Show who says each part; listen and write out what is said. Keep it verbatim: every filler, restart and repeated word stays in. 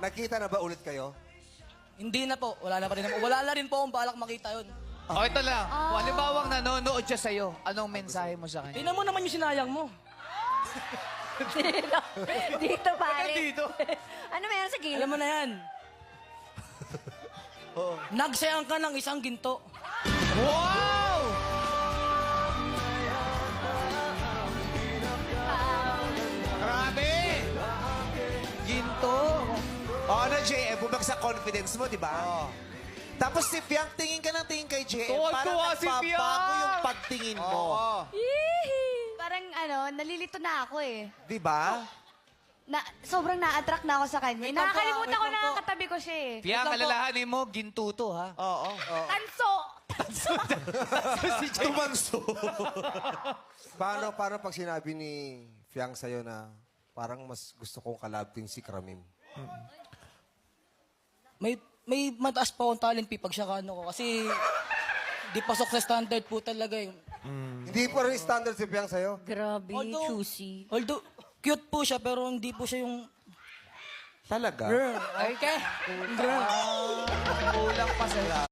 Speaker 1: Nakita na ba ulit kayo?
Speaker 2: Hindi na po. Wala na pa rin. Wala na rin po akong balak makita yun.
Speaker 3: O, ito lang. Kung halimbawang nanonood siya sa'yo, anong mensahe mo sa kanya?
Speaker 2: Tingnan mo naman yung sinayang mo.
Speaker 4: Dito. Dito, pare.
Speaker 3: Dito.
Speaker 4: Ano meron sa gilid?
Speaker 2: Alam mo na yan. Nagsayang ka ng isang ginto.
Speaker 3: Wow! Grabe! Ginto.
Speaker 1: O ano, J M, bumagsak confidence mo, di ba? Tapos si Fiang, tingin ka ng tingin kay J M.
Speaker 3: Tuwa-tuwa
Speaker 1: Parang
Speaker 3: si Fiang!
Speaker 1: nagbabago yung pagtingin mo.
Speaker 4: Yee! Parang ano, nalilito na ako eh.
Speaker 1: Di ba?
Speaker 4: Na, sobrang na-attract na ako sa kanya.
Speaker 2: Wait lang po,
Speaker 4: Nakakalimutan
Speaker 2: wait
Speaker 4: ko
Speaker 2: lang
Speaker 4: na
Speaker 2: po.
Speaker 4: katabi ko siya eh.
Speaker 3: Piyang, alalahanin mo, ginto to, ha?
Speaker 1: Oo.
Speaker 4: Tanso!
Speaker 1: Tumanso. paano, paano pag sinabi ni Fiang sa'yo na parang mas gusto kong kalabting si Kramim?
Speaker 2: May may mataas pa akong talent P pag siya kano ko. Kasi di pasok sa standard po talaga yung...
Speaker 1: Hindi pa rin standard si Fiang sa'yo?
Speaker 4: Grabe,
Speaker 2: Although-
Speaker 4: choosy.
Speaker 2: Although, cute po siya pero hindi po siya yung...
Speaker 1: Talaga?
Speaker 2: Girl, okay? Girl.
Speaker 3: Kulang pa sa'yo.